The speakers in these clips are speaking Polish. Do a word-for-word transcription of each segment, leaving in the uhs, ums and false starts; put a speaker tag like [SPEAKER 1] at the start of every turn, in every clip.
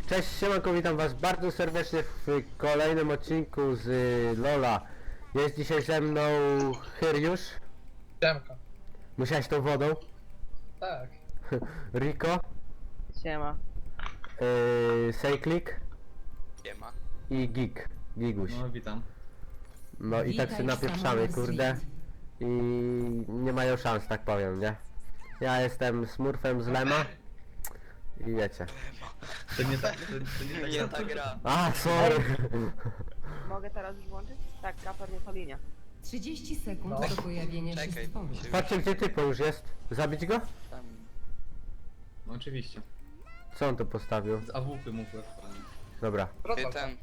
[SPEAKER 1] Cześć, siemanko, witam was bardzo serdecznie w kolejnym odcinku z y, Lola. Jest dzisiaj ze mną Hyriusz.
[SPEAKER 2] Siemka.
[SPEAKER 1] Musiałeś tą wodą.
[SPEAKER 2] Tak.
[SPEAKER 1] Rico.
[SPEAKER 3] Siema.
[SPEAKER 1] Yy, Sejklik.
[SPEAKER 4] Siema.
[SPEAKER 1] I Gig. Giguś.
[SPEAKER 2] No witam.
[SPEAKER 1] No i tak się
[SPEAKER 5] Witaj,
[SPEAKER 1] napieprzamy,
[SPEAKER 5] Samuel
[SPEAKER 1] kurde.
[SPEAKER 5] Street.
[SPEAKER 1] I nie mają szans, tak powiem, nie? Ja jestem Smurfem z Lema. I wiecie.
[SPEAKER 2] To nie tak, to, to nie tak.
[SPEAKER 4] Nie ta gra.
[SPEAKER 1] A, sorry.
[SPEAKER 3] Mogę teraz już włączyć? Tak, kaper nie linia.
[SPEAKER 5] trzydzieści sekund
[SPEAKER 2] No.
[SPEAKER 5] do pojawienia się
[SPEAKER 4] Czekaj,
[SPEAKER 5] stworu.
[SPEAKER 4] się
[SPEAKER 1] Patrzcie, gdzie typo już jest. Zabić go?
[SPEAKER 4] tam...
[SPEAKER 2] No oczywiście.
[SPEAKER 1] Co on tu postawił?
[SPEAKER 2] Z A W P mógł aktualnie.
[SPEAKER 1] Dobra.
[SPEAKER 4] Ty ten...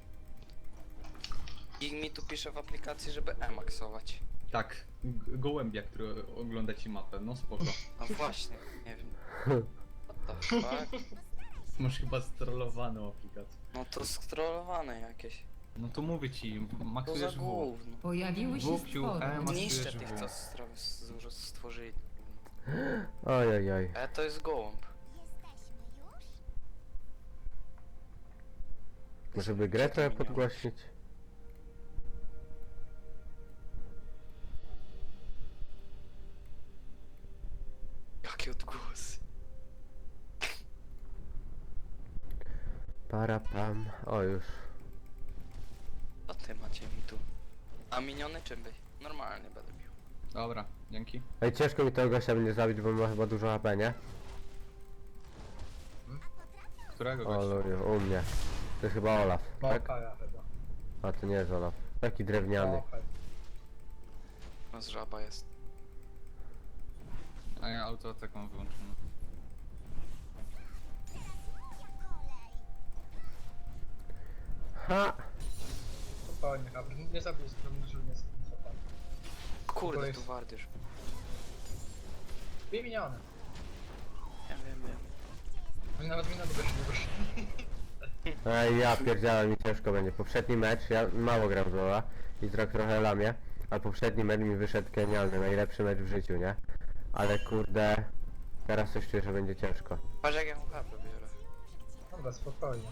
[SPEAKER 4] I mi tu pisze w aplikacji, żeby e-maxować.
[SPEAKER 6] Tak, g- gołębia, który ogląda ci mapę, no spoko.
[SPEAKER 4] No właśnie, nie wiem. What the fuck?
[SPEAKER 6] Masz chyba strollowaną aplikację.
[SPEAKER 4] No to skrolowane jakieś.
[SPEAKER 6] No to mówię ci,
[SPEAKER 4] To za
[SPEAKER 6] maksujesz W.
[SPEAKER 4] gówno.
[SPEAKER 5] Pojawiły się
[SPEAKER 6] Włókciu,
[SPEAKER 5] stwory.
[SPEAKER 6] em, Maksujesz
[SPEAKER 4] Niszczę
[SPEAKER 6] W.
[SPEAKER 4] tych, co stro- z- stworzyli.
[SPEAKER 1] Oj, oj, oj.
[SPEAKER 4] E, to jest gołąb.
[SPEAKER 1] Może by grę trochę podgłośnić?
[SPEAKER 4] Jakie odgłosy.
[SPEAKER 1] Para pam. O już.
[SPEAKER 4] Co ty macie mi tu? A miniony czym byś? Normalnie będę bił.
[SPEAKER 6] Dobra, dzięki.
[SPEAKER 1] Ej, ciężko mi tego gościa będzie zabić, bo ma chyba dużo H P, nie?
[SPEAKER 6] Którego
[SPEAKER 1] O
[SPEAKER 6] gościa?
[SPEAKER 1] luju, u mnie. To jest chyba Olaf, tak?
[SPEAKER 2] Małkaja chyba.
[SPEAKER 1] A to nie jest Olaf. Taki drewniany.
[SPEAKER 2] Małkaj.
[SPEAKER 4] No z żaba jest.
[SPEAKER 6] A ja autoatak mam wyłączony.
[SPEAKER 1] Ha!
[SPEAKER 2] Spokojnie, Gabriel. Nie zabij z tym, że nie zapali.
[SPEAKER 4] Kurde,
[SPEAKER 2] jest-
[SPEAKER 4] tu wardysz.
[SPEAKER 2] Dwie miniony.
[SPEAKER 4] Ja wiem, wiem.
[SPEAKER 2] Oni nawet minę do nie wyszli.
[SPEAKER 1] Ej, ja pierdziałem, mi ciężko będzie. Poprzedni mecz, ja mało gram w Lola i trochę, trochę lamię, ale poprzedni mecz mi wyszedł genialny, najlepszy mecz w życiu, nie? Ale kurde, teraz coś czuję, że będzie ciężko.
[SPEAKER 4] Patrz jak ja mu HP biorę.
[SPEAKER 2] Dobra, spokojnie.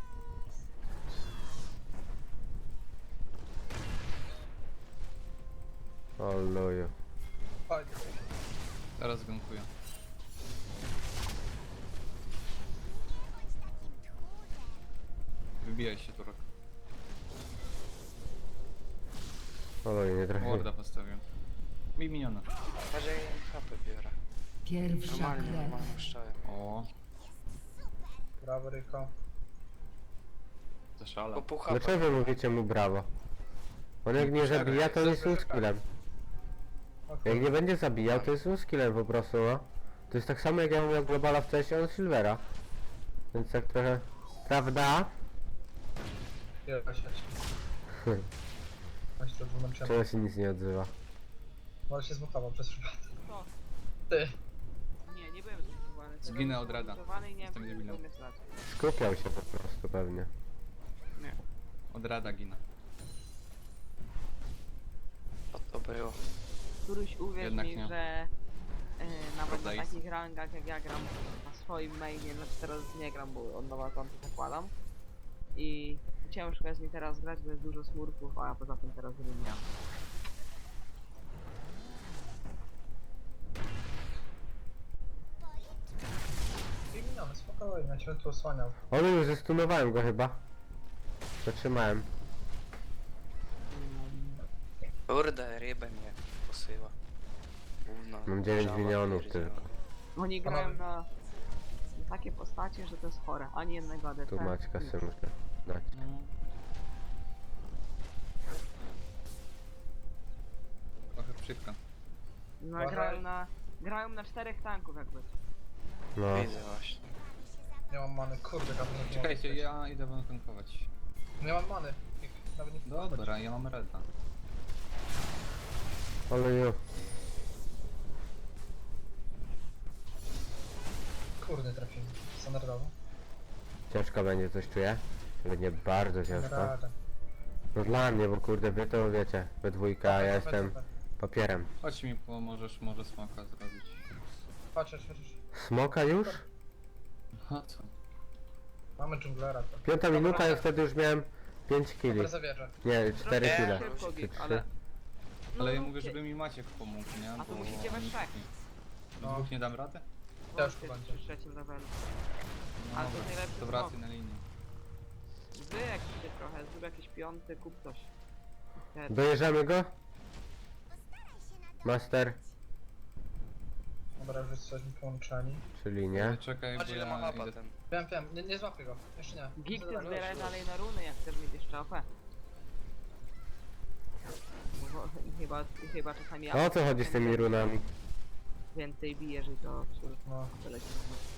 [SPEAKER 1] O luju.
[SPEAKER 2] Chodź.
[SPEAKER 6] Teraz gankuję. Wybijaj się, Turek.
[SPEAKER 1] O luju, nie trafię.
[SPEAKER 6] Warda postawię. Mi miniona.
[SPEAKER 4] Patrz jak ja mu HP biorę.
[SPEAKER 5] Pierwsza
[SPEAKER 4] Normalnie,
[SPEAKER 5] krew.
[SPEAKER 4] normalnie szczałem.
[SPEAKER 6] O,
[SPEAKER 2] Brawo, Ryko.
[SPEAKER 6] zaszala.
[SPEAKER 4] Bo pół HP.
[SPEAKER 1] Dlaczego wy mówicie mu brawo? On jak nie zabija, to jest skillem.
[SPEAKER 2] O
[SPEAKER 1] Jak
[SPEAKER 2] kurde.
[SPEAKER 1] nie będzie zabijał, to jest skillem po prostu, no. To jest tak samo jak ja miał Globala wcześniej, on Silvera. Więc tak trochę... Prawda?
[SPEAKER 2] Wielka sieć. Chodź to dwumęczemy.
[SPEAKER 1] Czego się nic nie odzywa?
[SPEAKER 2] Może się zmutował przez przypadek.
[SPEAKER 3] Co?
[SPEAKER 2] Ty.
[SPEAKER 3] Nie, nie byłem zbudowany.
[SPEAKER 6] Zginę od rada.
[SPEAKER 3] I nie
[SPEAKER 6] Jestem
[SPEAKER 3] wiem,
[SPEAKER 6] debilem.
[SPEAKER 3] umiem strzelać.
[SPEAKER 1] Skupiał się po prostu pewnie.
[SPEAKER 3] Nie.
[SPEAKER 6] Od rada gina.
[SPEAKER 4] Co to było?
[SPEAKER 3] Któryś uwierz
[SPEAKER 6] Jednak
[SPEAKER 3] mi,
[SPEAKER 6] nie.
[SPEAKER 3] że yy, nawet
[SPEAKER 6] Prawda
[SPEAKER 3] na
[SPEAKER 6] jest.
[SPEAKER 3] takich rangach jak ja gram na swoim mainie, znaczy teraz nie gram, bo od nowa konto zakładam. I ciężko jest mi teraz grać, bo jest dużo smurków, a poza tym teraz nie gram.
[SPEAKER 2] Dwie miniony, spokojnie. Ja cię tu osłaniał.
[SPEAKER 1] O luju, zestunowałem go chyba. Zatrzymałem.
[SPEAKER 4] Kurde, rybę mnie posyła. Gówno.
[SPEAKER 1] Mam dziewięć
[SPEAKER 4] żaba
[SPEAKER 1] milionów
[SPEAKER 4] pierdzielona.
[SPEAKER 1] tylko.
[SPEAKER 3] Oni grają na, na takie postacie, że to jest chore. Ani jednego A D C.
[SPEAKER 1] Tu Maćka
[SPEAKER 3] nic.
[SPEAKER 1] sobie muszę dać.
[SPEAKER 6] No. Trochę przykro.
[SPEAKER 3] No,
[SPEAKER 2] Uważaj.
[SPEAKER 3] grają na, grają na czterech tanków jakby.
[SPEAKER 1] No.
[SPEAKER 4] Widzę właśnie.
[SPEAKER 2] Nie mam many. Kurde, Gabriel. nie mogę
[SPEAKER 6] Czekajcie,
[SPEAKER 2] przejść.
[SPEAKER 6] ja idę wam tankować.
[SPEAKER 2] Nie mam many. Nawet nie
[SPEAKER 6] Dobra, ja mam reda.
[SPEAKER 1] O luju.
[SPEAKER 2] Kurde, trafiłem. Standardowo.
[SPEAKER 1] Ciężko będzie, coś czuję? Będzie bardzo
[SPEAKER 2] Na
[SPEAKER 1] ciężko.
[SPEAKER 2] radę.
[SPEAKER 1] No dla mnie, bo kurde wy to wiecie, we dwójka, a ja jestem papierem.
[SPEAKER 6] Chodź mi pomożesz, może smaka zrobić.
[SPEAKER 2] Patrzysz, patrzysz.
[SPEAKER 1] Smoka już?
[SPEAKER 6] A co?
[SPEAKER 2] Mamy dżunglera to.
[SPEAKER 1] Piąta minuta i wtedy już miałem pięć killi.
[SPEAKER 2] Dobra, zawierzę.
[SPEAKER 1] Nie, cztery
[SPEAKER 4] Nie,
[SPEAKER 1] kile.
[SPEAKER 3] Szybko,
[SPEAKER 1] Czy
[SPEAKER 3] git,
[SPEAKER 1] trzy.
[SPEAKER 3] ale... No,
[SPEAKER 6] Ale ja
[SPEAKER 3] no,
[SPEAKER 6] mówię,
[SPEAKER 3] kie-
[SPEAKER 6] żeby mi Maciek pomógł, nie?
[SPEAKER 3] A to
[SPEAKER 6] Bo
[SPEAKER 3] musicie we
[SPEAKER 6] oni-
[SPEAKER 3] trzech.
[SPEAKER 6] Do
[SPEAKER 2] No.
[SPEAKER 6] dwóch nie dam rady?
[SPEAKER 2] Ciężko
[SPEAKER 3] Wątpię,
[SPEAKER 2] będzie.
[SPEAKER 3] przy trzecim levelu.
[SPEAKER 6] No
[SPEAKER 3] Ale to
[SPEAKER 6] dobra,
[SPEAKER 3] najlepszy
[SPEAKER 6] to wracaj na linię.
[SPEAKER 3] Wy jakiś się trochę, zrób jakiś piąty, kup coś. Wtedy.
[SPEAKER 1] Dojeżdżamy go? Master,
[SPEAKER 2] Dobra, już jesteśmy połączeni.
[SPEAKER 1] czyli nie.
[SPEAKER 6] Czekaj, bo
[SPEAKER 4] Patrz ile ma
[SPEAKER 6] ja
[SPEAKER 4] mapa
[SPEAKER 6] idę...
[SPEAKER 4] ten.
[SPEAKER 2] Wiem, wiem, nie, nie złapię go. Jeszcze nie.
[SPEAKER 3] Gig ty
[SPEAKER 2] Zadanie.
[SPEAKER 3] zbieraj dalej na runy, jak chcesz mieć jeszcze O P. Bo chyba, chyba czasami ja
[SPEAKER 1] A o co chodzi z tymi runami?
[SPEAKER 3] więcej bijesz i to absolutnie
[SPEAKER 2] No,
[SPEAKER 3] tyle się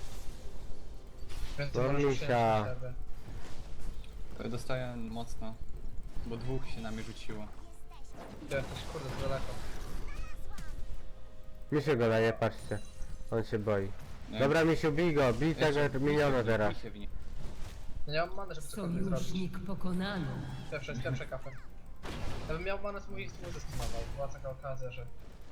[SPEAKER 2] więc
[SPEAKER 1] No,
[SPEAKER 2] to możesz
[SPEAKER 1] misia.
[SPEAKER 2] przyjąć na siebie.
[SPEAKER 6] E, Dostaję mocno. Bo dwóch się na mnie rzuciło.
[SPEAKER 2] Gdzie jesteś? Kurde, to daleko.
[SPEAKER 1] Mi się go daje, patrzcie. On się boi.
[SPEAKER 6] Nie?
[SPEAKER 1] Dobra, Misiu, bij go, bij
[SPEAKER 6] Jeszcze
[SPEAKER 1] tego
[SPEAKER 6] bij
[SPEAKER 1] miniona
[SPEAKER 6] się w nie,
[SPEAKER 1] teraz.
[SPEAKER 6] bij się w nie.
[SPEAKER 2] Ja nie mam many, żeby cokolwiek zrobić.
[SPEAKER 5] Sojusznik pokonano.
[SPEAKER 2] Pierwsze, pierwsze kapę. Gdybym miał manę, to mój mu zestunował. Była taka okazja, że...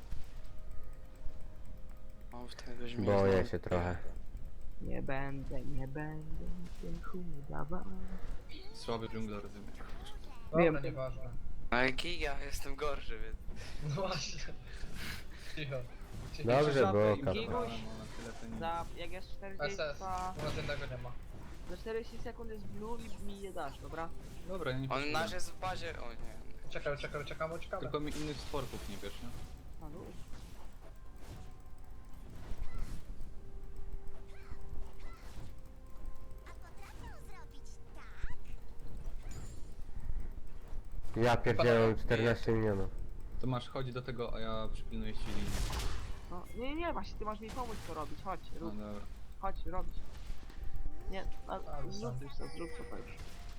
[SPEAKER 4] O, w tego źmie
[SPEAKER 1] Boję
[SPEAKER 4] znowu.
[SPEAKER 1] się trochę.
[SPEAKER 3] Nie będę, nie będę cię chudawał.
[SPEAKER 6] Słaby dżungler, rozumiem.
[SPEAKER 2] Dobra,
[SPEAKER 3] Wiem.
[SPEAKER 2] nieważne.
[SPEAKER 4] Ale giga, jestem gorszy, więc...
[SPEAKER 2] No właśnie. Cicho. Cicho.
[SPEAKER 1] Dobrze,
[SPEAKER 6] Żabę
[SPEAKER 1] było,
[SPEAKER 6] im
[SPEAKER 1] Karol.
[SPEAKER 6] zabrałem, ale tyle to nie-
[SPEAKER 3] Za, jak jest czterdzieści,
[SPEAKER 2] S S. U nas jednego nie ma.
[SPEAKER 3] za czterdzieści sekund jest blue i mi je dasz, dobra?
[SPEAKER 6] Dobra, ja nie
[SPEAKER 4] On
[SPEAKER 6] potrzebuję.
[SPEAKER 4] nasz jest w bazie... O nie.
[SPEAKER 2] Czekaj, czekaj, czekamy, czekamy.
[SPEAKER 6] Tylko mi innych sportów nie wiesz, nie?
[SPEAKER 3] A no.
[SPEAKER 1] Ja pierdzielę czternaście milionów.
[SPEAKER 6] To masz, chodź do tego, a ja przypilnuję ci linię.
[SPEAKER 3] No, nie, nie, nie, właśnie ty masz mi pomóc to robić, chodź,
[SPEAKER 6] No
[SPEAKER 3] rób,
[SPEAKER 6] dobra.
[SPEAKER 3] chodź, robić. Nie, a,
[SPEAKER 2] Ale
[SPEAKER 3] zrób
[SPEAKER 2] sam.
[SPEAKER 3] już to, zrób to, to już.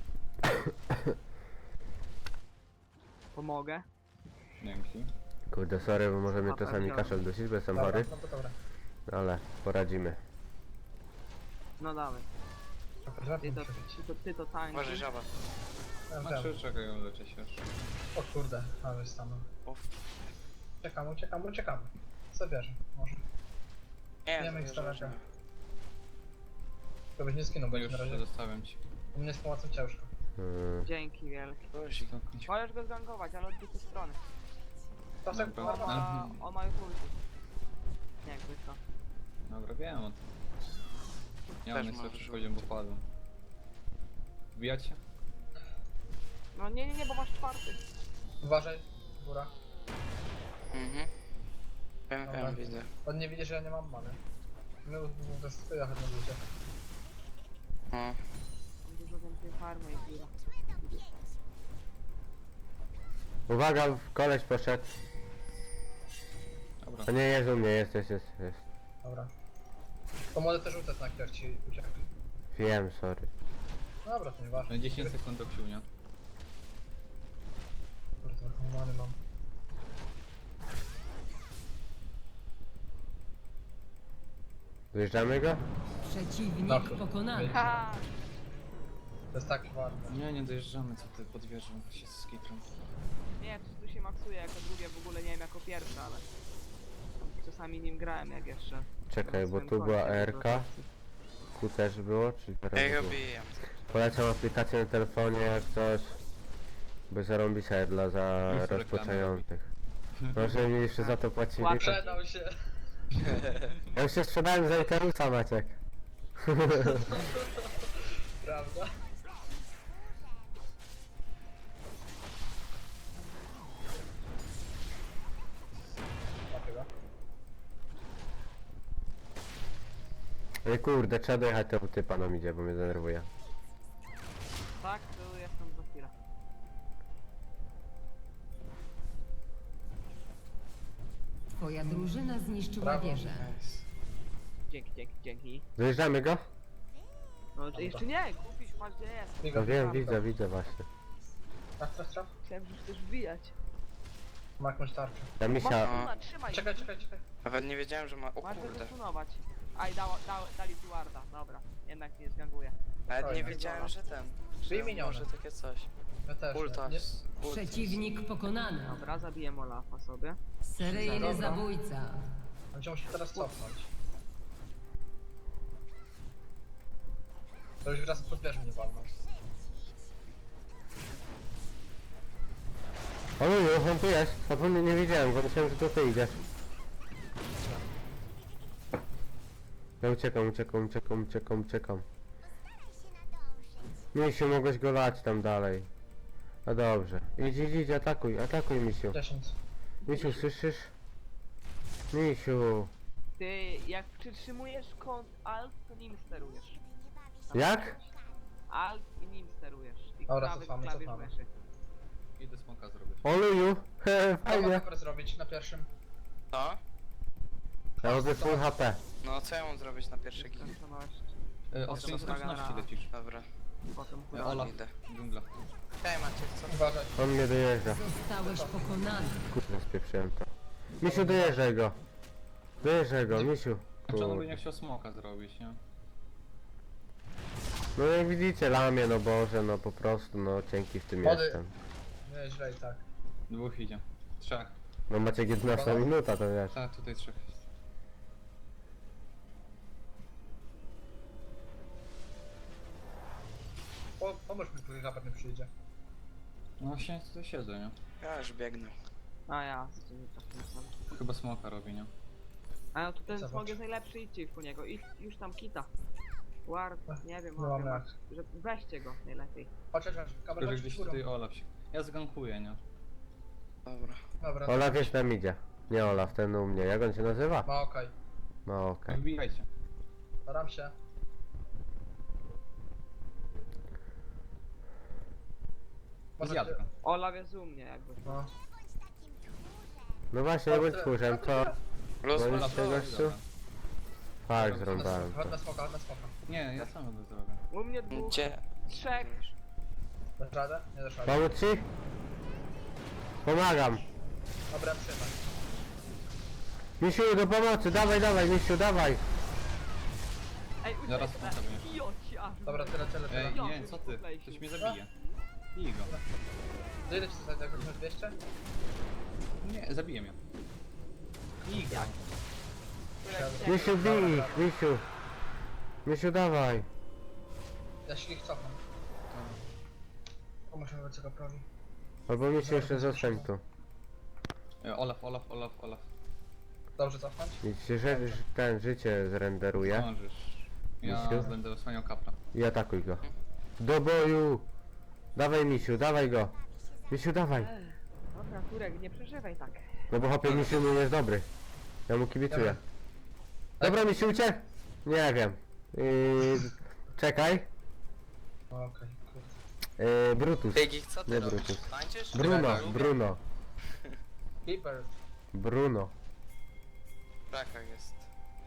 [SPEAKER 3] Pomogę.
[SPEAKER 6] Dzięki.
[SPEAKER 1] Kurde, sorry, bo może mnie
[SPEAKER 3] Dobra,
[SPEAKER 1] czasami
[SPEAKER 3] wziąłem.
[SPEAKER 1] kaszel dusić, bo jestem
[SPEAKER 2] Dobra,
[SPEAKER 1] chory.
[SPEAKER 2] no to dobra.
[SPEAKER 1] Ale poradzimy.
[SPEAKER 3] No dawaj,
[SPEAKER 2] Dobra,
[SPEAKER 3] ty to,
[SPEAKER 2] muszę.
[SPEAKER 3] ty to, ty to tańczy.
[SPEAKER 4] Może żaba.
[SPEAKER 2] Ja wiem.
[SPEAKER 6] Znaczy, czekaj, leczę się już.
[SPEAKER 2] O kurde, ale stanął.
[SPEAKER 4] Uf.
[SPEAKER 2] Uciekamy, uciekamy, uciekamy. Zabierze, może.
[SPEAKER 4] Nie,
[SPEAKER 2] Nie wiem, jak
[SPEAKER 4] to
[SPEAKER 2] daleko.
[SPEAKER 4] że-
[SPEAKER 2] To byś nie skinął,
[SPEAKER 6] No
[SPEAKER 2] bo
[SPEAKER 6] już
[SPEAKER 2] na razie.
[SPEAKER 6] zostawiam ci.
[SPEAKER 2] U mnie z pomocą ciężko.
[SPEAKER 1] Mm.
[SPEAKER 3] Dzięki wielkie.
[SPEAKER 4] Guzik.
[SPEAKER 6] Stopnić.
[SPEAKER 3] Możesz go zgangować, ale od drugiej strony.
[SPEAKER 2] To tak
[SPEAKER 6] Dobra.
[SPEAKER 3] On
[SPEAKER 2] normalnie.
[SPEAKER 3] ma,
[SPEAKER 6] Mhm.
[SPEAKER 3] on ma już ulti. Jakby to.
[SPEAKER 6] Dobra, wiem o tym. Ja
[SPEAKER 4] Też
[SPEAKER 6] mam
[SPEAKER 4] możesz
[SPEAKER 6] najsłabszy poziom, bo padłem. Wbijać się?
[SPEAKER 3] No nie, nie, nie, bo masz czwarty.
[SPEAKER 2] Uważaj, góra.
[SPEAKER 4] Mhm. Wiem,
[SPEAKER 2] Dobra.
[SPEAKER 4] wiem, widzę.
[SPEAKER 2] On nie widzi, że ja nie mam many. My to jest twoja chyba ludzie.
[SPEAKER 4] O.
[SPEAKER 3] Mam dużo więcej farmy i góra.
[SPEAKER 1] Uwaga, koleś poszedł.
[SPEAKER 6] Dobra.
[SPEAKER 1] A nie, jest u mnie, jest, jest, jest, jest.
[SPEAKER 2] Dobra. To może też rzucać na jak ci uciekł.
[SPEAKER 1] Wiem, sorry.
[SPEAKER 2] Dobra, to nieważne.
[SPEAKER 6] Na dziesięć sekund do ksiunia.
[SPEAKER 2] Kurde, trochę many mam.
[SPEAKER 1] Dojeżdżamy go?
[SPEAKER 5] Przeciwnik
[SPEAKER 2] Tak.
[SPEAKER 5] pokonany.
[SPEAKER 3] Ha!
[SPEAKER 2] To jest tak ważne.
[SPEAKER 6] Nie, nie dojeżdżamy, co ty podwierzą się z skitrą.
[SPEAKER 3] Nie, coś tu się maksuje jako drugie, w ogóle nie wiem jako pierwsze, ale... Czasami nim grałem jak jeszcze.
[SPEAKER 1] Czekaj,
[SPEAKER 3] na
[SPEAKER 1] bo
[SPEAKER 3] swoim
[SPEAKER 1] tu była
[SPEAKER 3] koncie,
[SPEAKER 1] R K. Tu też było, czyli teraz
[SPEAKER 4] Ja
[SPEAKER 1] było.
[SPEAKER 4] go biję.
[SPEAKER 1] Polecam aplikację na telefonie jak coś. Bo zarąbisa dla za
[SPEAKER 6] Już reklamy
[SPEAKER 1] rozpoczynających. Może mi jeszcze za to płacili.
[SPEAKER 3] Łapę.
[SPEAKER 1] To...
[SPEAKER 2] Sprzedał się.
[SPEAKER 1] Ja już się sprzedałem za Ikarusa, Maciek.
[SPEAKER 2] Prawda? Dlaczego?
[SPEAKER 1] Ej kurde, trzeba dojechać tego typa nam idzie, bo mnie denerwuje.
[SPEAKER 3] Tak, to jestem za chwilę.
[SPEAKER 5] Twoja drużyna zniszczyła
[SPEAKER 2] Brawo.
[SPEAKER 5] wieżę.
[SPEAKER 4] Nice.
[SPEAKER 3] Dzięki, dzięki, dzięki.
[SPEAKER 1] Dojeżdżamy go?
[SPEAKER 3] No jeszcze nie, kupisz, patrz gdzie jest.
[SPEAKER 2] Bigo,
[SPEAKER 1] No wiem,
[SPEAKER 2] bigo.
[SPEAKER 1] widzę, widzę właśnie.
[SPEAKER 2] Traf, traf, traf.
[SPEAKER 3] Chciałem, że chcesz wbijać.
[SPEAKER 2] Ma jakąś tarczę.
[SPEAKER 1] Ta
[SPEAKER 3] Masz
[SPEAKER 1] misia...
[SPEAKER 3] stuna, trzymaj.
[SPEAKER 2] Czekaj, czekaj, czekaj.
[SPEAKER 4] Nawet nie wiedziałem, że ma... O
[SPEAKER 3] Masz go
[SPEAKER 4] kurde.
[SPEAKER 3] zasunować. Aj, dała, da, dali tu warda, dobra. Jednak nie zganguje.
[SPEAKER 4] Nawet nie
[SPEAKER 2] Fajne.
[SPEAKER 4] wiedziałem, że ten...
[SPEAKER 2] Dwie
[SPEAKER 4] Że
[SPEAKER 2] miniony.
[SPEAKER 4] może takie coś.
[SPEAKER 2] Ja też.
[SPEAKER 4] Ulta.
[SPEAKER 2] Nie,
[SPEAKER 4] s- ulta.
[SPEAKER 5] Przeciwnik pokonany.
[SPEAKER 3] Dobra, zabiję Olafa sobie.
[SPEAKER 5] Seryjny
[SPEAKER 2] Dobra.
[SPEAKER 5] zabójca.
[SPEAKER 2] on cię musi teraz cofnąć. To już raz pod wieżą nie walnął.
[SPEAKER 1] O Luju, on tu jest. Zapomnę, nie wiedziałem go, myślałem, że to ty idziesz. Ja uciekam, uciekam, uciekam, uciekam, uciekam. Misiu, mogłeś go lać tam dalej. No dobrze. Idź, idź, idź, atakuj, atakuj, Misiu.
[SPEAKER 2] dziesięć.
[SPEAKER 1] Misiu, słyszysz? Misiu.
[SPEAKER 3] Ty, jak przytrzymujesz kąt Alt, to nim sterujesz.
[SPEAKER 1] Jak?
[SPEAKER 3] Alt i nim sterujesz. I
[SPEAKER 2] Dobra,
[SPEAKER 3] prawy
[SPEAKER 2] cofamy,
[SPEAKER 3] klawisz
[SPEAKER 2] cofamy.
[SPEAKER 3] myszy.
[SPEAKER 6] Idę smoka zrobić.
[SPEAKER 1] O Luju, he,
[SPEAKER 2] Co
[SPEAKER 1] fajnie.
[SPEAKER 2] mogę zrobić na pierwszym?
[SPEAKER 4] Co?
[SPEAKER 1] Ja robię full H P.
[SPEAKER 4] No co ja mam zrobić na pierwszy gig?
[SPEAKER 3] Skończoność,
[SPEAKER 6] E, Od
[SPEAKER 3] Jeszcze
[SPEAKER 6] skończoności
[SPEAKER 3] dobra.
[SPEAKER 6] lecisz.
[SPEAKER 4] Dobra.
[SPEAKER 3] potem
[SPEAKER 6] E,
[SPEAKER 3] kurwa.
[SPEAKER 6] Olaf,
[SPEAKER 4] idę.
[SPEAKER 6] dżungla.
[SPEAKER 4] Hej Maciek, co?
[SPEAKER 2] Uważaj.
[SPEAKER 1] On mnie dojeżdża.
[SPEAKER 5] Zostałeś pokonany.
[SPEAKER 1] Kurde, spieprzyłem to. Misiu, dojeżdżaj go. Dojeżdżaj go, Misiu.
[SPEAKER 6] Znaczy on by
[SPEAKER 1] Kurde.
[SPEAKER 6] nie chciał smoka zrobić, nie?
[SPEAKER 1] No jak widzicie, lamię, no Boże, no po prostu, no cienki w tym
[SPEAKER 2] Wody.
[SPEAKER 1] jestem.
[SPEAKER 2] Nie, źle i tak.
[SPEAKER 6] Dwóch idzie. Trzech.
[SPEAKER 1] No macie jedenasta minuta, to wiesz.
[SPEAKER 6] Tak, tutaj trzech jest.
[SPEAKER 2] Po, pomóż mi, póki kapar nie przyjdzie.
[SPEAKER 6] No właśnie tutaj siedzę, nie?
[SPEAKER 4] Ja już biegnę.
[SPEAKER 3] A ja, z tym trafiłem.
[SPEAKER 6] Chyba smoka robi, nie?
[SPEAKER 3] A no to ten
[SPEAKER 2] Zobacz.
[SPEAKER 3] smog jest najlepszy, idźcie po niego. I już tam kita. Ward, nie wiem,
[SPEAKER 2] No
[SPEAKER 3] może
[SPEAKER 2] mamy
[SPEAKER 3] masz, że weźcie go najlepiej.
[SPEAKER 2] Chodź, chodź, chodź. Kapar,
[SPEAKER 6] Tylko, że
[SPEAKER 2] chodź
[SPEAKER 6] gdzieś
[SPEAKER 2] górą.
[SPEAKER 6] tutaj Olaf się... Ja zgankuję, nie?
[SPEAKER 4] Dobra.
[SPEAKER 2] Dobra,
[SPEAKER 1] Olaf jest tam idzie. Nie Olaf, ten u mnie. Jak on się nazywa?
[SPEAKER 2] ma okej.
[SPEAKER 1] No okej.
[SPEAKER 6] Wbijajcie.
[SPEAKER 2] Staram się. Może
[SPEAKER 6] Zjadka.
[SPEAKER 3] Olaf jest u mnie jakby.
[SPEAKER 2] No.
[SPEAKER 1] No właśnie, nie bądź tchórzem, to...
[SPEAKER 4] Los,
[SPEAKER 1] No
[SPEAKER 4] los,
[SPEAKER 1] już tego
[SPEAKER 4] los.
[SPEAKER 1] gościu? Tak, zrąbałem
[SPEAKER 2] Chodź
[SPEAKER 1] to.
[SPEAKER 2] na smoka, chodź na smoka.
[SPEAKER 6] Nie, ja sam to zrobię.
[SPEAKER 3] U mnie dwóch,
[SPEAKER 4] Gdzie?
[SPEAKER 3] trzech.
[SPEAKER 2] Dasz radę? Nie dasz rady.
[SPEAKER 1] Pomóc ci? Pomagam.
[SPEAKER 2] Dobra, trzymaj.
[SPEAKER 1] Misiu, do pomocy, dawaj, dawaj, Misiu, dawaj.
[SPEAKER 3] Ej,
[SPEAKER 6] Zaraz
[SPEAKER 3] ucieknę.
[SPEAKER 6] smoka będziesz.
[SPEAKER 3] Joci, aż
[SPEAKER 2] Dobra, tyle, tyle, tyle.
[SPEAKER 6] Ej,
[SPEAKER 3] Ja
[SPEAKER 6] nie,
[SPEAKER 3] już
[SPEAKER 6] co ty?
[SPEAKER 3] tutaj
[SPEAKER 6] Ktoś
[SPEAKER 3] się-
[SPEAKER 6] mnie zabije. Bij go.
[SPEAKER 2] Do ile ci to zajdzie? Jakoś masz dwieście?
[SPEAKER 6] Nie, zabije mnie. Bij go.
[SPEAKER 1] Misiu, bij ich, Misiu. Misiu, dawaj.
[SPEAKER 2] Ja się ich cofam. Pomóż mi co prawi.
[SPEAKER 1] Albo Misiu jeszcze zostań tu.
[SPEAKER 6] E, Olaf, Olaf, Olaf, Olaf.
[SPEAKER 2] Dobrze cofnąć?
[SPEAKER 1] I ci że, że ten życie zrenderuje.
[SPEAKER 6] Zdążysz. Ja
[SPEAKER 1] Misiu?
[SPEAKER 6] będę osłaniał kapra.
[SPEAKER 1] I atakuj go. Do boju! Dawaj Misiu, dawaj go. Misiu, dawaj.
[SPEAKER 3] Dobra, Turek, nie przeżywaj tak.
[SPEAKER 1] No bo hopie Misiu nie jest dobry. Ja mu kibicuję. Dobra Misiu, uciek! Nie wiem. Yy, czekaj.
[SPEAKER 2] O, okej, kurde.
[SPEAKER 1] Yy, Brutus.
[SPEAKER 4] Bigich, co ty
[SPEAKER 1] Nie
[SPEAKER 4] robisz?
[SPEAKER 1] Brutus.
[SPEAKER 4] Tańczysz?
[SPEAKER 1] Bruno,
[SPEAKER 4] Lubię.
[SPEAKER 1] Bruno.
[SPEAKER 2] Keeper.
[SPEAKER 1] Bruno.
[SPEAKER 4] W krakach jest.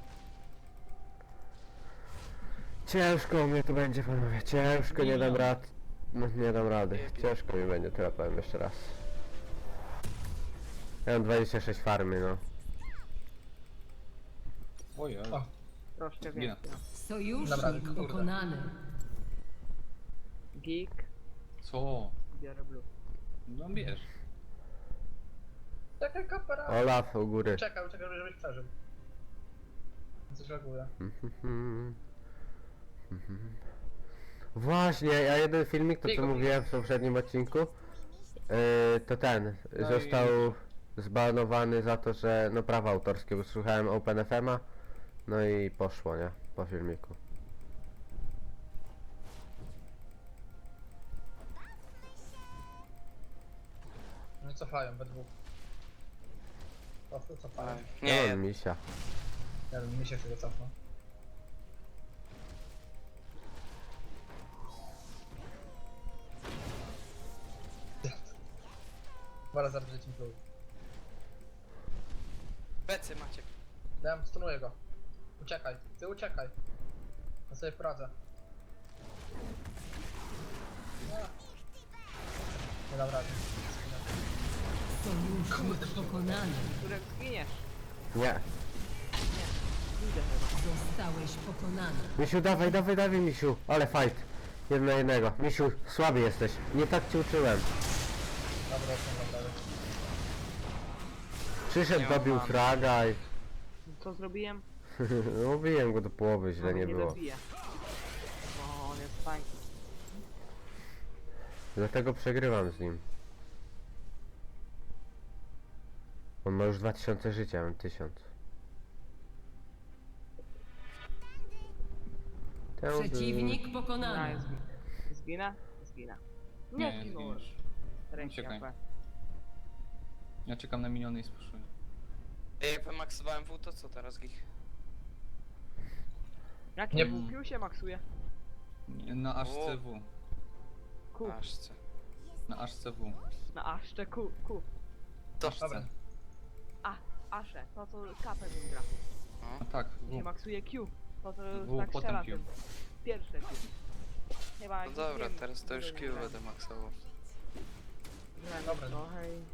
[SPEAKER 1] Ciężko mnie tu będzie, panowie. Ciężko, nie dam rad. No, nie dam rady. Ciężko mi będzie, tyle powiem jeszcze raz. Ja mam dwadzieścia sześć farmy, no.
[SPEAKER 6] Ojej.
[SPEAKER 2] O.
[SPEAKER 3] Troszkę
[SPEAKER 6] Zginę.
[SPEAKER 3] więcej.
[SPEAKER 2] Dobra,
[SPEAKER 5] Sojusznik
[SPEAKER 2] kurde.
[SPEAKER 5] pokonany.
[SPEAKER 3] Geek,
[SPEAKER 6] Co?
[SPEAKER 3] biorę blue.
[SPEAKER 6] No bierz.
[SPEAKER 2] Czekaj, kapera.
[SPEAKER 1] Olaf u góry.
[SPEAKER 2] Czekaj, czekaj, żebyś przeżył. Coś reaguje.
[SPEAKER 1] Właśnie, ja jeden filmik, to co
[SPEAKER 2] Bigo,
[SPEAKER 1] mówiłem w poprzednim odcinku, yy, to ten,
[SPEAKER 6] No i-
[SPEAKER 1] został zbanowany za to, że no prawa autorskie, bo słuchałem Open F M a, no i poszło, nie, po filmiku.
[SPEAKER 2] No i cofają we dwóch. Cofnę, cofają.
[SPEAKER 1] Nie,
[SPEAKER 4] Nie,
[SPEAKER 1] on misia.
[SPEAKER 2] Ja bym mi się chwilę cofnął. Dwa razy zaraz team pluł.
[SPEAKER 4] becy Maciek.
[SPEAKER 2] Dałem, stunuję go. Uciekaj, ty uciekaj. Ja sobie poradzę. Nie. Nie dam rady.
[SPEAKER 5] Sojusznik pokonany.
[SPEAKER 3] Turek, zginiesz.
[SPEAKER 1] Nie.
[SPEAKER 3] Idę chyba.
[SPEAKER 5] Zostałeś pokonany.
[SPEAKER 1] Misiu, dawaj, dawaj, dawaj, Misiu, ale fight. Jeden na jednego. Misiu, słaby jesteś, nie tak cię uczyłem.
[SPEAKER 2] Dobra, jestem naprawdę.
[SPEAKER 1] Przyszedł,
[SPEAKER 4] Nie mam
[SPEAKER 1] dobił
[SPEAKER 4] many.
[SPEAKER 1] fraga i...
[SPEAKER 3] Co zrobiłem?
[SPEAKER 1] Mówiłem go do połowy, źle
[SPEAKER 3] No,
[SPEAKER 1] nie było.
[SPEAKER 3] dobiję. O, on jest
[SPEAKER 1] Dlatego przegrywam z nim. On ma już dwa tysiące życia, mam tysiąc.
[SPEAKER 5] Przeciwnik
[SPEAKER 3] No,
[SPEAKER 5] pokonany.
[SPEAKER 3] jest zginę. Zginę? Zginę. Nie,
[SPEAKER 6] Nie, nie
[SPEAKER 3] zginąłem.
[SPEAKER 6] zginiesz.
[SPEAKER 3] Ręki
[SPEAKER 6] Uciekaj.
[SPEAKER 3] A P.
[SPEAKER 6] Ja czekam na miniony i spuszuję.
[SPEAKER 4] Ej, jak wymaksowałem W, to co teraz gich?
[SPEAKER 3] Jak
[SPEAKER 2] Nie-
[SPEAKER 3] nie Q się maksuje?
[SPEAKER 6] Nie, Na aż C W.
[SPEAKER 3] Q.
[SPEAKER 4] Aszce.
[SPEAKER 6] Na aż C W.
[SPEAKER 3] Na aszcze Q. Q.
[SPEAKER 4] To
[SPEAKER 2] Dobra.
[SPEAKER 3] A, asze. To co kapę tym gra.
[SPEAKER 6] No tak,
[SPEAKER 3] Się
[SPEAKER 6] W.
[SPEAKER 3] maksuje Q. To co
[SPEAKER 6] W,
[SPEAKER 3] tak
[SPEAKER 6] potem
[SPEAKER 3] strzela
[SPEAKER 6] Q.
[SPEAKER 3] tym. Pierwsze Q. Chyba
[SPEAKER 4] No
[SPEAKER 3] jak
[SPEAKER 4] dobra,
[SPEAKER 3] wiem,
[SPEAKER 4] teraz to już
[SPEAKER 3] nie
[SPEAKER 4] Q
[SPEAKER 3] wiem,
[SPEAKER 4] będę maksował.
[SPEAKER 3] grałem
[SPEAKER 2] Dobra.
[SPEAKER 3] trochę i...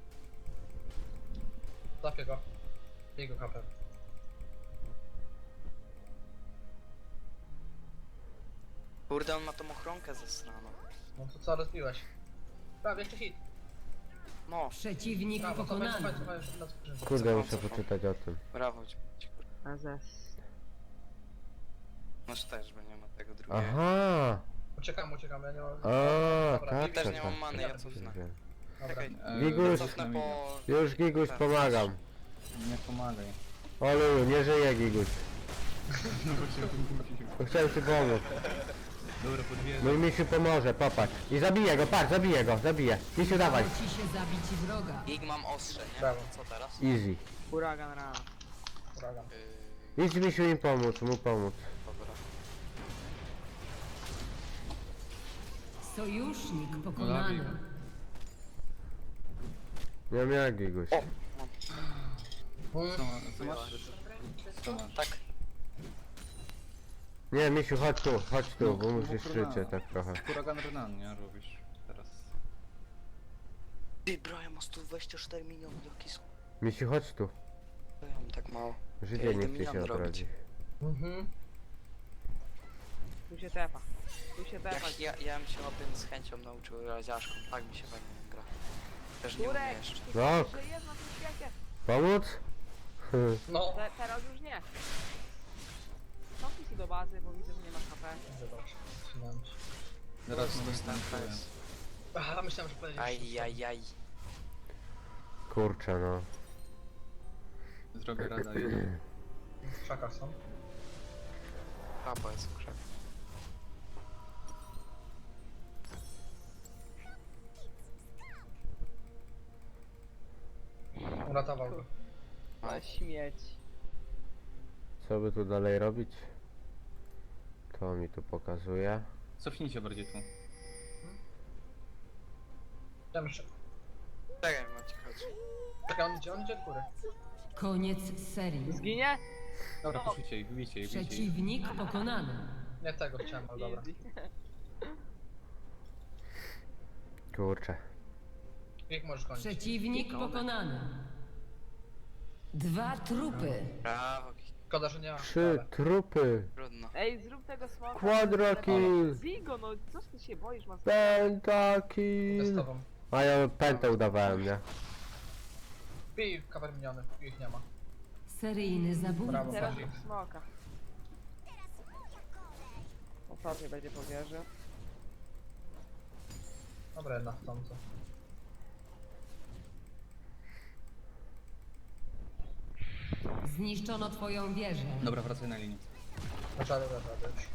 [SPEAKER 2] Zapię go. Jego kapę.
[SPEAKER 4] Kurde, on ma tą ochronkę zasraną.
[SPEAKER 2] No to co, rozbiłeś? Prawie, jeszcze hit.
[SPEAKER 4] No,
[SPEAKER 5] Przeciwnik
[SPEAKER 2] Brawo, cofaj,
[SPEAKER 5] pokonany.
[SPEAKER 2] cofaj, cofaj, jeszcze na skrzynkę.
[SPEAKER 1] Kurde,
[SPEAKER 4] Co,
[SPEAKER 1] muszę
[SPEAKER 4] co, co?
[SPEAKER 1] poczytać o tym.
[SPEAKER 4] brawo ci. ci kur-
[SPEAKER 3] Azes.
[SPEAKER 4] Masz też, bo nie ma tego drugiego.
[SPEAKER 1] Aha!
[SPEAKER 2] Uciekam, uciekam, ja nie mam...
[SPEAKER 1] A,
[SPEAKER 2] Dobra,
[SPEAKER 1] tak,
[SPEAKER 2] Bibi,
[SPEAKER 4] Też
[SPEAKER 1] tak,
[SPEAKER 4] nie
[SPEAKER 1] tak.
[SPEAKER 4] mam many, ja cofnę.
[SPEAKER 1] Wiem.
[SPEAKER 2] Dobra.
[SPEAKER 4] Czekaj,
[SPEAKER 6] E,
[SPEAKER 1] Gigus.
[SPEAKER 6] na
[SPEAKER 4] cofnę
[SPEAKER 6] minie.
[SPEAKER 4] po...
[SPEAKER 1] Już Giguś
[SPEAKER 4] Tak,
[SPEAKER 1] pomagam.
[SPEAKER 6] Nie pomagaj.
[SPEAKER 1] Olu, nie żyje Giguś.
[SPEAKER 6] No bo się wymówił.
[SPEAKER 1] To chciałem ci pomóc.
[SPEAKER 6] Dobra, podwierzę.
[SPEAKER 1] Mój misiu pomoże, popatrz. I zabiję go, patrz, zabiję go, zabiję. Misiu, dawaj.
[SPEAKER 5] Udało ci się zabić wroga.
[SPEAKER 4] Ig mam ostrze, nie?
[SPEAKER 2] Brawo.
[SPEAKER 4] Co teraz?
[SPEAKER 1] Easy.
[SPEAKER 3] Huragan rano.
[SPEAKER 2] Huragan.
[SPEAKER 4] Yy,
[SPEAKER 1] Idź misiu im pomóc, mu pomóc.
[SPEAKER 4] dobra.
[SPEAKER 5] Sojusznik
[SPEAKER 6] Zabij
[SPEAKER 5] pokonany.
[SPEAKER 6] go.
[SPEAKER 1] Nie wiem jak Giguś.
[SPEAKER 4] O, mam.
[SPEAKER 6] Co, ma- co masz? Co masz?
[SPEAKER 4] Tak.
[SPEAKER 1] Nie, misiu, chodź tu, chodź tu,
[SPEAKER 6] No,
[SPEAKER 1] bo musisz
[SPEAKER 6] no, kurwa.
[SPEAKER 1] życie tak trochę.
[SPEAKER 6] Huragan Renan, nie? Robisz teraz.
[SPEAKER 4] Ty, bro, ja mam sto dwadzieścia cztery miliony, jaki są?
[SPEAKER 1] Misiu, chodź tu.
[SPEAKER 4] Ja mam tak mało.
[SPEAKER 1] Życie
[SPEAKER 4] Ja
[SPEAKER 1] nie
[SPEAKER 4] idę
[SPEAKER 1] chce się
[SPEAKER 4] milion robić.
[SPEAKER 1] odrodzić.
[SPEAKER 2] Mhm.
[SPEAKER 3] Tu się tepa. Tu się tepa.
[SPEAKER 4] Jak ja, ja bym się o tym z chęcią nauczył raziaszką, tak mi się fajnie gra. Też nie umiem
[SPEAKER 3] Turek!
[SPEAKER 4] jeszcze.
[SPEAKER 3] Ty
[SPEAKER 1] No.
[SPEAKER 3] że jest na tym świecie.
[SPEAKER 1] Pomóc?
[SPEAKER 2] No.
[SPEAKER 3] Te, teraz już nie. Cofnij się do bazy, bo widzę, że nie masz H P.
[SPEAKER 2] Zobacz. Trzymam się.
[SPEAKER 6] Zaraz mówię,
[SPEAKER 4] Dostałem
[SPEAKER 6] co
[SPEAKER 4] H S.
[SPEAKER 2] Aha, myślałem, że powiedziałeś.
[SPEAKER 4] Aj, aj, aj.
[SPEAKER 1] Kurczę no.
[SPEAKER 6] Zrobię rada jeden.
[SPEAKER 2] W krzakach są.
[SPEAKER 4] Papa jest w krzaku.
[SPEAKER 2] Uratował go.
[SPEAKER 3] Ale śmieć.
[SPEAKER 1] Co by tu dalej robić? To mi tu pokazuje.
[SPEAKER 6] Cofnijcie bardziej tu.
[SPEAKER 2] Ja myślę.
[SPEAKER 4] Czekaj, macie chodź.
[SPEAKER 2] Czekaj, on idzie, on idzie od góry.
[SPEAKER 5] Koniec serii.
[SPEAKER 3] Zginie?
[SPEAKER 6] Dobra, puszujcie ich, bijcie ich, bijcie ich.
[SPEAKER 5] Przeciwnik pokonany.
[SPEAKER 2] Nie tego chciałem, ale dobra.
[SPEAKER 3] Easy.
[SPEAKER 1] Kurczę.
[SPEAKER 2] Jak możesz kończyć?
[SPEAKER 5] Przeciwnik pokonany. Dwa trupy.
[SPEAKER 4] Brawo, Ki-
[SPEAKER 2] Szkoda, że nie ma.
[SPEAKER 1] Trzy
[SPEAKER 2] ale-
[SPEAKER 1] trupy.
[SPEAKER 4] trudno.
[SPEAKER 3] Ej, zrób tego smoka.
[SPEAKER 1] Quadra kill.
[SPEAKER 3] Bigo, no coś ty się boisz, masz...
[SPEAKER 2] Z
[SPEAKER 1] Pentakill.
[SPEAKER 2] tobą.
[SPEAKER 1] A ja pętę udawałem, nie?
[SPEAKER 2] Pij cover miniony, ich nie ma.
[SPEAKER 5] Seryjny zabójca.
[SPEAKER 2] Brawo.
[SPEAKER 3] Teraz
[SPEAKER 2] Bardziej.
[SPEAKER 3] rób smoka. Ostatnio będzie po wieży.
[SPEAKER 2] Dobra, jedna w tomce.
[SPEAKER 5] Zniszczono twoją wieżę.
[SPEAKER 6] Dobra, wracaj na linię.
[SPEAKER 2] Dobra, dobra, dobra, już.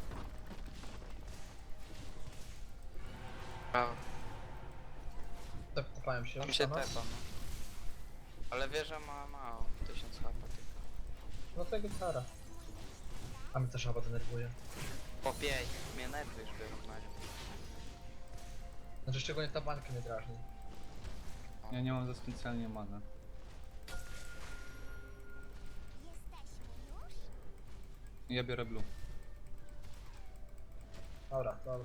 [SPEAKER 4] Brawo.
[SPEAKER 2] Tep- Tepałem się
[SPEAKER 4] Tam
[SPEAKER 2] już
[SPEAKER 4] się
[SPEAKER 2] na nas.
[SPEAKER 4] tepa, no. Ale wieża ma mało, tysiąc H P tylko.
[SPEAKER 2] No to gitara. A mnie też chyba denerwuje.
[SPEAKER 4] Po pięć, mnie nerwy już biorą na nią.
[SPEAKER 2] Znaczy szczególnie ta bańka mnie drażni.
[SPEAKER 6] Ja nie mam za specjalnie mana. Ja biorę blue.
[SPEAKER 2] Dobra, dobra.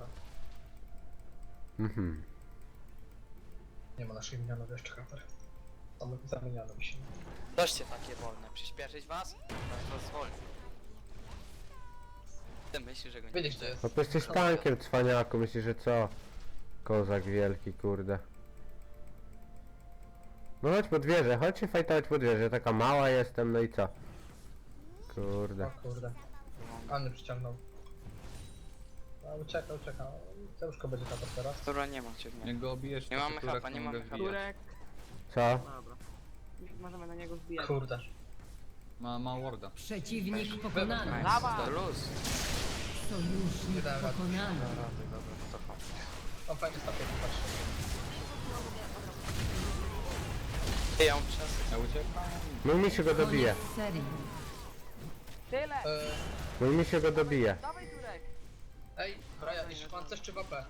[SPEAKER 1] Mhm.
[SPEAKER 2] Nie ma naszych minionów jeszcze kaper. Tam zamieniano mi się.
[SPEAKER 4] Doście takie wolne, przyspieszyć was? Was was zwolni. Ty myślisz, że go nie
[SPEAKER 2] Wiedzieć,
[SPEAKER 4] widzę?
[SPEAKER 2] gdzie jest.
[SPEAKER 1] No to jesteś tankiem, cwaniaku, myślisz, że co? Kozak wielki, kurde. No chodź pod wieżę, chodź się fajtować pod wieżę, taka mała jestem, no i co? Kurde.
[SPEAKER 2] O kurde. Anny przyciągnął. A, ucieka, ucieka. Cełuszko będzie kapać teraz.
[SPEAKER 4] Dobra, nie macie mnie.
[SPEAKER 6] Jak go obijesz,
[SPEAKER 4] Nie
[SPEAKER 6] to
[SPEAKER 4] mamy
[SPEAKER 6] Turek
[SPEAKER 4] chapa, nie
[SPEAKER 6] mogę
[SPEAKER 4] mamy chapa.
[SPEAKER 6] wbijać.
[SPEAKER 3] Turek.
[SPEAKER 1] Co?
[SPEAKER 3] Dobra. Już możemy na niego wbijać.
[SPEAKER 2] Kurde.
[SPEAKER 6] Ma, ma warda.
[SPEAKER 5] Przeciwnik pokonany.
[SPEAKER 4] Nice,
[SPEAKER 3] Dawaj.
[SPEAKER 4] to luz.
[SPEAKER 5] Sojusznik
[SPEAKER 2] Nie dałem rady.
[SPEAKER 5] pokonany.
[SPEAKER 4] Dobra, dobra, to chodź.
[SPEAKER 2] On fajnie stopie, patrz.
[SPEAKER 4] Ej, ja mam czas.
[SPEAKER 6] Ja uciekam.
[SPEAKER 1] Mój misiu go dobije.
[SPEAKER 5] Koniec serii.
[SPEAKER 3] Tyle!
[SPEAKER 2] Eee,
[SPEAKER 1] Mój misiu go dobije.
[SPEAKER 3] Dawaj Turek!
[SPEAKER 2] ej, Brian, jeśli pancerz czy W P?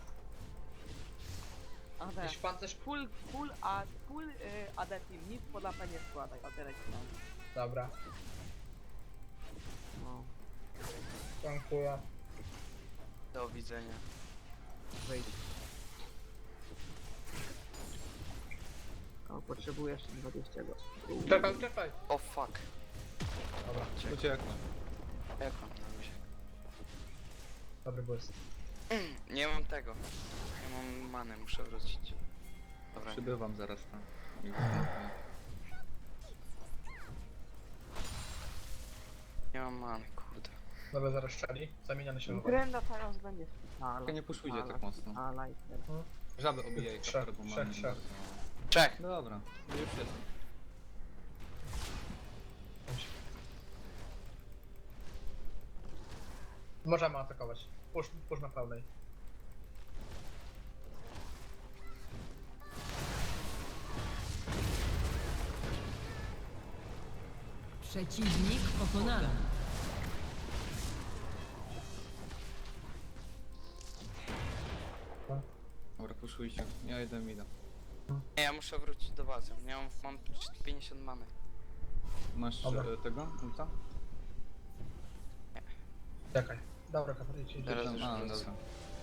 [SPEAKER 3] A te.
[SPEAKER 2] Jeśli pancerz...
[SPEAKER 3] Full, full, a, full y, A D team, nic pod A P nie składaj, a teraz mam.
[SPEAKER 2] Dobra,
[SPEAKER 3] No,
[SPEAKER 2] dziękuję.
[SPEAKER 4] Do widzenia.
[SPEAKER 3] wyjdź. O, potrzebuję jeszcze dwadzieścia go.
[SPEAKER 2] Czekaj, czekaj.
[SPEAKER 4] O fuck.
[SPEAKER 2] Dobra,
[SPEAKER 6] Uciekłem.
[SPEAKER 4] Jak mam na luzie?
[SPEAKER 2] dobry błysk.
[SPEAKER 4] Nie mam tego. Nie mam many, muszę wrócić. Dobra,
[SPEAKER 6] Przybywam zaraz tam.
[SPEAKER 4] nie mam many, kurde.
[SPEAKER 2] Dobra, zaraz strzeli. Zamieniany się w
[SPEAKER 3] Grenda teraz będzie spitala.
[SPEAKER 6] Tylko nie puszujcie tak mocno.
[SPEAKER 3] A, lighter.
[SPEAKER 6] Żaby obijaj
[SPEAKER 2] Trzech,
[SPEAKER 6] kaper, bo
[SPEAKER 2] trzech,
[SPEAKER 6] mamy
[SPEAKER 2] trzech.
[SPEAKER 6] bardzo.
[SPEAKER 4] Czech!
[SPEAKER 6] Dobra, już jestem.
[SPEAKER 2] Możemy atakować. Push, push na pełnej.
[SPEAKER 5] Przeciwnik pokonany.
[SPEAKER 6] Dobra, puszujcie. Ja idę mida.
[SPEAKER 4] Nie, ja muszę wrócić do bazy. Nie mam, mam pięćdziesiąt many.
[SPEAKER 6] Masz
[SPEAKER 2] Dobra.
[SPEAKER 6] e, tego? Ulta?
[SPEAKER 2] Czekaj. Dobra, kapel, idź, idź.
[SPEAKER 4] Teraz
[SPEAKER 6] Tam,
[SPEAKER 4] już
[SPEAKER 6] a,
[SPEAKER 4] wrócę.
[SPEAKER 6] dobra.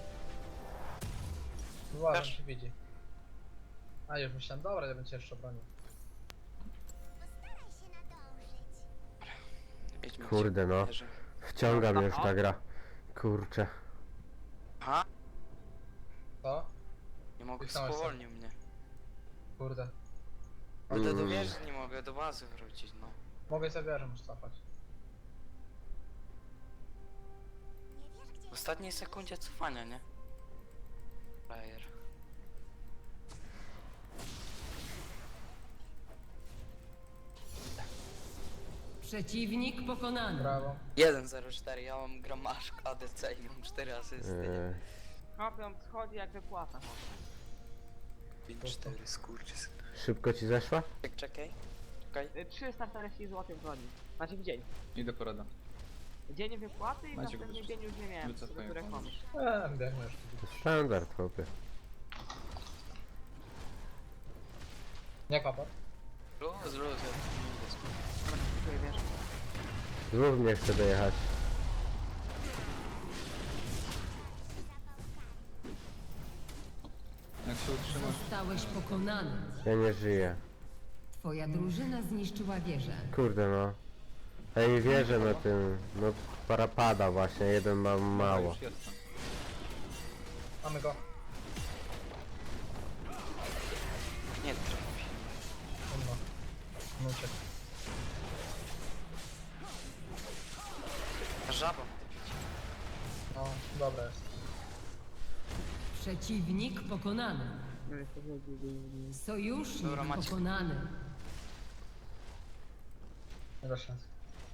[SPEAKER 2] Uważam,
[SPEAKER 4] Też.
[SPEAKER 2] się widzi. A już myślałem, dobra, ja będę jeszcze bronił.
[SPEAKER 4] Idźmy
[SPEAKER 1] Kurde,
[SPEAKER 4] się,
[SPEAKER 1] no.
[SPEAKER 4] bierze.
[SPEAKER 1] Wciąga mnie już ta gra. Kurczę.
[SPEAKER 4] Aha,
[SPEAKER 2] Co?
[SPEAKER 4] nie mogę,
[SPEAKER 2] Pisałeś sobie.
[SPEAKER 4] spowolnił mnie.
[SPEAKER 2] Kurde.
[SPEAKER 4] Ale do
[SPEAKER 1] Mm.
[SPEAKER 4] wieży nie mogę, do bazy wrócić, no.
[SPEAKER 2] Mogę sobie wieżę już cofać.
[SPEAKER 4] W ostatniej sekundzie cofania, nie? Player.
[SPEAKER 5] Przeciwnik pokonany.
[SPEAKER 2] Brawo.
[SPEAKER 4] jeden zero cztery, ja mam gramasz A D C i mam cztery asysty, nie?
[SPEAKER 1] Yy,
[SPEAKER 3] Kopią schodzi jak wypłata.
[SPEAKER 4] pięć cztery, skurczys.
[SPEAKER 1] szybko ci zeszła?
[SPEAKER 4] Czek, czekaj. Czekaj.
[SPEAKER 3] Y, trzysta czterdzieści złotych w dzień. Znaczy w dzień.
[SPEAKER 6] Idę porada.
[SPEAKER 3] Dzień wypłaty i w
[SPEAKER 6] Macie go
[SPEAKER 3] następny
[SPEAKER 6] też.
[SPEAKER 3] dzień już nie miałem,
[SPEAKER 6] Wycofuję
[SPEAKER 3] które
[SPEAKER 6] pomysł.
[SPEAKER 3] komuś.
[SPEAKER 2] Eee, biegnę już.
[SPEAKER 1] To standard, chłopie.
[SPEAKER 2] Nie kapel.
[SPEAKER 4] Luz, luz, ja tu nie idę, skur-
[SPEAKER 3] Dobra, dziękuję, wiesz.
[SPEAKER 1] Znów mnie chce dojechać.
[SPEAKER 6] Jak się utrzymasz,
[SPEAKER 5] Zostałeś pokonany.
[SPEAKER 1] Ja nie żyję.
[SPEAKER 5] Twoja drużyna zniszczyła wieżę.
[SPEAKER 1] Kurde no. Ej, wierzę na tym. No parapada właśnie, jeden mam
[SPEAKER 6] Dobra,
[SPEAKER 1] mało.
[SPEAKER 6] już jestem.
[SPEAKER 2] Mamy go.
[SPEAKER 4] Nie trafi.
[SPEAKER 2] On ma. On uciekł.
[SPEAKER 4] Żaba.
[SPEAKER 2] No, dobra jest.
[SPEAKER 5] Przeciwnik pokonany.
[SPEAKER 3] No jest to wiedzieli.
[SPEAKER 5] Sojusznik
[SPEAKER 4] Dobra, macie.
[SPEAKER 5] pokonany.
[SPEAKER 2] Nie da szans.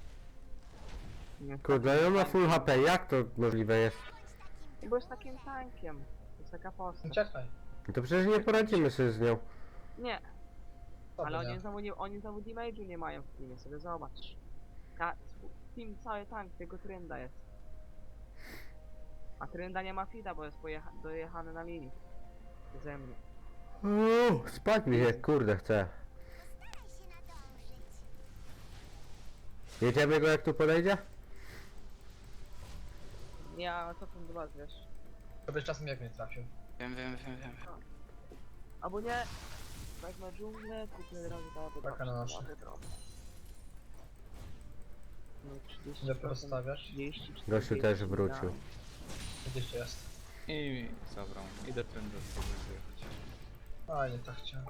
[SPEAKER 1] Kurde, on ma full H P, jak to możliwe jest?
[SPEAKER 3] Bo jest takim tankiem. To jest taka postać.
[SPEAKER 2] Uciekaj.
[SPEAKER 1] No to przecież nie poradzimy sobie z nią.
[SPEAKER 3] Nie,
[SPEAKER 2] Co
[SPEAKER 3] ale
[SPEAKER 2] ty
[SPEAKER 3] oni
[SPEAKER 2] nie?
[SPEAKER 3] znowu, nie, oni znowu damage'u nie mają w teamie, sobie zobacz. Ka team cały tank, tylko Trynda jest. A Trynda nie ma fida, bo jest pojecha- dojechany na linii. Ze mnie.
[SPEAKER 1] Uuu, spać mi się, kurde, chcę. Jedziemy go jak tu podejdzie?
[SPEAKER 3] Ja cofam do was, wiesz.
[SPEAKER 2] To byś czasem jak mnie trafił.
[SPEAKER 4] Wiem, wiem, wiem, wiem.
[SPEAKER 3] Albo nie, wezmę dżunglę, kupię od razu dawę
[SPEAKER 2] Taka na nasze.
[SPEAKER 3] No trzydzieści
[SPEAKER 2] Ile
[SPEAKER 3] procent,
[SPEAKER 2] porozstawiasz?
[SPEAKER 3] trzydzieści,
[SPEAKER 1] Gościu też
[SPEAKER 3] czterdzieści,
[SPEAKER 1] wrócił.
[SPEAKER 2] Gdzieś jest.
[SPEAKER 6] I zabrał. Idę trendę sobie wyjechać.
[SPEAKER 2] A, nie tak chciałem.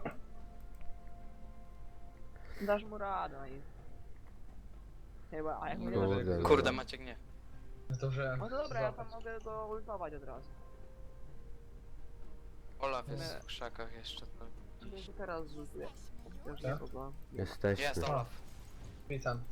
[SPEAKER 3] da. Dasz mu radę, no i... Chyba, a jak
[SPEAKER 6] No
[SPEAKER 3] nie
[SPEAKER 6] dobra,
[SPEAKER 3] dasz...
[SPEAKER 1] no.
[SPEAKER 4] Kurde, Maciek nie.
[SPEAKER 2] Zdążyłem.
[SPEAKER 3] No to dobra, ja tam
[SPEAKER 2] złapać.
[SPEAKER 3] mogę go ultować od razu.
[SPEAKER 4] Olaf jest
[SPEAKER 3] Nie.
[SPEAKER 4] w krzakach jeszcze. To...
[SPEAKER 3] Myślę, że teraz rzutuję. Chociaż
[SPEAKER 2] Tak?
[SPEAKER 3] nikogo.
[SPEAKER 1] Jesteśmy.
[SPEAKER 4] Jest Olaf.
[SPEAKER 2] Witam.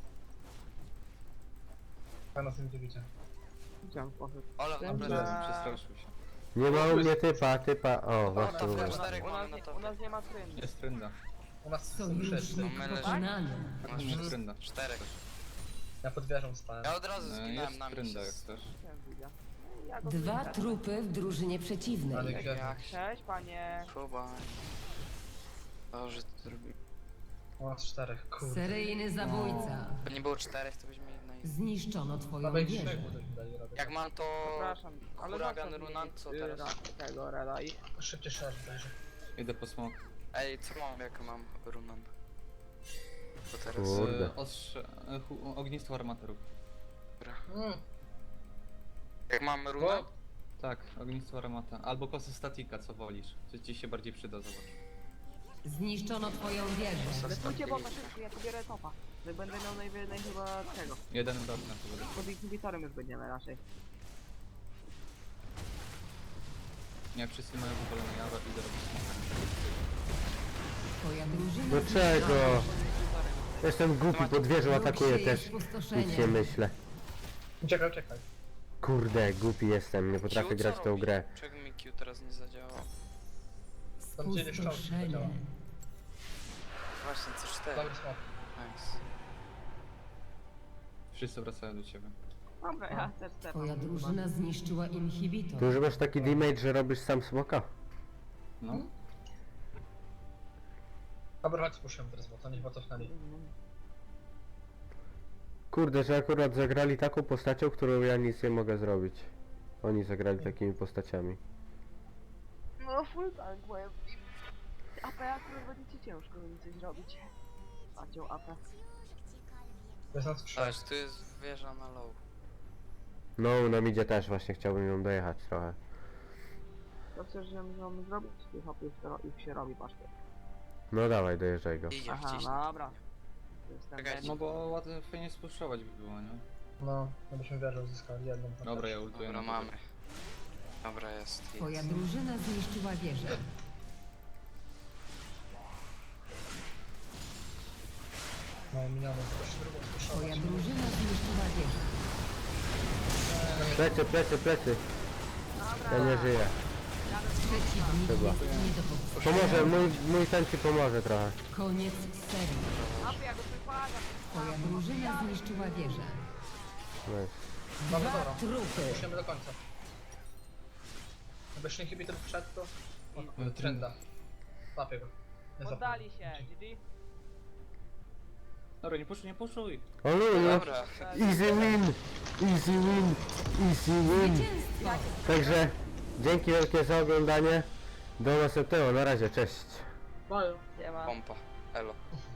[SPEAKER 2] Pana tym widzicie.
[SPEAKER 3] Widziałem poszedł.
[SPEAKER 4] Olaf na
[SPEAKER 3] Dobra.
[SPEAKER 4] plecach.
[SPEAKER 6] Przestraszył się.
[SPEAKER 1] Nie ma u mnie typa, typa. O, właśnie
[SPEAKER 4] to
[SPEAKER 1] u
[SPEAKER 4] w
[SPEAKER 1] was.
[SPEAKER 4] czterech
[SPEAKER 3] U nas,
[SPEAKER 4] mamy na
[SPEAKER 3] nie,
[SPEAKER 4] topie.
[SPEAKER 3] u nas nie ma trendu.
[SPEAKER 6] Jest trynda.
[SPEAKER 2] U nas są wszyscy.
[SPEAKER 5] Sojusznik
[SPEAKER 4] My leży-
[SPEAKER 5] pokonany.
[SPEAKER 4] Masz
[SPEAKER 6] Jest trynda.
[SPEAKER 4] czterech.
[SPEAKER 2] Ja pod wieżą spałem.
[SPEAKER 4] Ja od razu
[SPEAKER 6] E,
[SPEAKER 4] zginąłem
[SPEAKER 6] Jest
[SPEAKER 4] na mnie.
[SPEAKER 6] trynda
[SPEAKER 4] się
[SPEAKER 6] jak
[SPEAKER 4] z-
[SPEAKER 6] chcesz.
[SPEAKER 3] Chciałem widzę. Ja go
[SPEAKER 5] Dwa
[SPEAKER 3] widzę.
[SPEAKER 5] trupy w drużynie
[SPEAKER 2] Ale
[SPEAKER 5] przeciwnej.
[SPEAKER 2] gdzie?
[SPEAKER 4] Jak się
[SPEAKER 3] Cześć panie.
[SPEAKER 4] próba. Dobrze to zrobił.
[SPEAKER 2] U nas czterech, kurde.
[SPEAKER 5] Seryjny zabójca.
[SPEAKER 4] To nie było czterech, to byśmy jednej.
[SPEAKER 5] Zniszczono twoją
[SPEAKER 2] Nawet
[SPEAKER 5] wieżę.
[SPEAKER 2] trzech budek mi dali robić.
[SPEAKER 4] Jak mam to...
[SPEAKER 3] Przepraszam, ale
[SPEAKER 4] Huragan
[SPEAKER 3] zostaw mi,
[SPEAKER 4] Runan, co
[SPEAKER 3] y,
[SPEAKER 4] teraz?
[SPEAKER 3] ra- Tego Reda i...
[SPEAKER 2] Szybciej szerz będzie.
[SPEAKER 6] Idę po smok.
[SPEAKER 4] Ej, co mam, jak mam runan? To teraz...
[SPEAKER 1] Kurde.
[SPEAKER 6] Z ostrze... e, hu- Ognistwo armatorów.
[SPEAKER 4] Dobra.
[SPEAKER 2] Mm.
[SPEAKER 4] Jak mam runan?
[SPEAKER 2] O,
[SPEAKER 6] Tak, ognistwo armata. Albo kosy statika, co wolisz. Co ci się bardziej przyda, zobacz.
[SPEAKER 5] Zniszczono twoją wieżę.
[SPEAKER 3] Wystójcie bota szybko, ja pobierę topa. Że będę miał najwięcej chyba tego.
[SPEAKER 6] Jeden dot na to będzie.
[SPEAKER 3] Pod inhibitorem już będziemy raczej.
[SPEAKER 6] Nie, wszyscy mają wywalone jara, idę robić smoka.
[SPEAKER 5] Twoja drużyna
[SPEAKER 1] Dlaczego?
[SPEAKER 3] Pod inhibitorem.
[SPEAKER 1] Jestem głupi, pod wieżą atakuję
[SPEAKER 5] Wróg
[SPEAKER 1] też.
[SPEAKER 5] sieje
[SPEAKER 1] Nic
[SPEAKER 5] spustoszenie.
[SPEAKER 1] nie myślę.
[SPEAKER 2] uciekaj, uciekaj.
[SPEAKER 1] Kurde, głupi jestem, nie potrafię
[SPEAKER 4] Q, co
[SPEAKER 1] grać w tą
[SPEAKER 4] robi?
[SPEAKER 1] grę.
[SPEAKER 4] Czego mi Q teraz nie zadziałał?
[SPEAKER 2] Tam gdzie jeszcze
[SPEAKER 5] Spustoszenie.
[SPEAKER 2] działa.
[SPEAKER 4] Właśnie, C cztery.
[SPEAKER 2] Dobry smok.
[SPEAKER 4] Nice.
[SPEAKER 6] Wszyscy wracają do ciebie.
[SPEAKER 3] Dobra, ja też chcę.
[SPEAKER 5] Twoja drużyna zniszczyła inhibitor.
[SPEAKER 1] Ty używasz taki damage, że robisz sam smoka?
[SPEAKER 6] No.
[SPEAKER 2] Dobra, chodź spuszczę teraz, bo to niech cofnęli.
[SPEAKER 1] Kurde, że akurat zagrali taką postacią, którą ja nic nie mogę zrobić. Oni zagrali takimi postaciami.
[SPEAKER 3] No full tank, powiem im. A P akurat będzie ci ciężko mi coś robić. Padzią A P.
[SPEAKER 2] To jest nas trzech.
[SPEAKER 4] Ależ tu jest wieża na low.
[SPEAKER 1] No, na midzie też właśnie chciałbym ją dojechać trochę.
[SPEAKER 3] To chcesz, że mamy zrobić? Ty hop, już, to, już się robi paszkę.
[SPEAKER 1] No dawaj, dojeżdżaj go.
[SPEAKER 4] Idzie
[SPEAKER 3] Aha,
[SPEAKER 4] wciśnij.
[SPEAKER 3] dobra. Jestem
[SPEAKER 4] Czekajcie.
[SPEAKER 6] No bo łatwo fajnie spuszczować by było, nie?
[SPEAKER 2] No, żebyśmy wieżę uzyskali jedną.
[SPEAKER 6] Dobra, ja ultuję.
[SPEAKER 4] Dobra,
[SPEAKER 6] na
[SPEAKER 4] mamy. Dobra, jest.
[SPEAKER 5] Twoja
[SPEAKER 4] jest.
[SPEAKER 5] drużyna zniszczyła wieżę.
[SPEAKER 2] No, miniony, proszę drugą
[SPEAKER 5] Twoja
[SPEAKER 2] spuszować.
[SPEAKER 5] drużyna zniszczyła wieżę.
[SPEAKER 1] Plecy, plecy, plecy. Ja nie żyję.
[SPEAKER 5] Przeciwnik
[SPEAKER 1] Chyba.
[SPEAKER 5] jest nie do powstrzymania.
[SPEAKER 1] Pomoże, mój, mój ten ci pomoże trochę.
[SPEAKER 5] Koniec serii.
[SPEAKER 3] A P, ja go wypadam.
[SPEAKER 5] Twoja drużyna zniszczyła wieżę.
[SPEAKER 1] Nice.
[SPEAKER 2] Dobra,
[SPEAKER 5] Dwa
[SPEAKER 2] dobra.
[SPEAKER 5] trupy.
[SPEAKER 2] Musimy do końca. Jakby jeszcze inhibitor wszedł, to...
[SPEAKER 6] No,
[SPEAKER 2] O, trenda. Łapię go. Nie
[SPEAKER 3] Poddali
[SPEAKER 2] zapomnę.
[SPEAKER 3] się, G G.
[SPEAKER 6] Dobra, nie puszuj, nie puszuj!
[SPEAKER 1] O luju!
[SPEAKER 4] Dobra.
[SPEAKER 1] Easy win! Easy win! Easy win!
[SPEAKER 5] Zwycięstwo.
[SPEAKER 1] Także dzięki wielkie za oglądanie. Do następnego, na razie, cześć.
[SPEAKER 2] Mają.
[SPEAKER 3] Nie ma.
[SPEAKER 4] Pompa. Elo.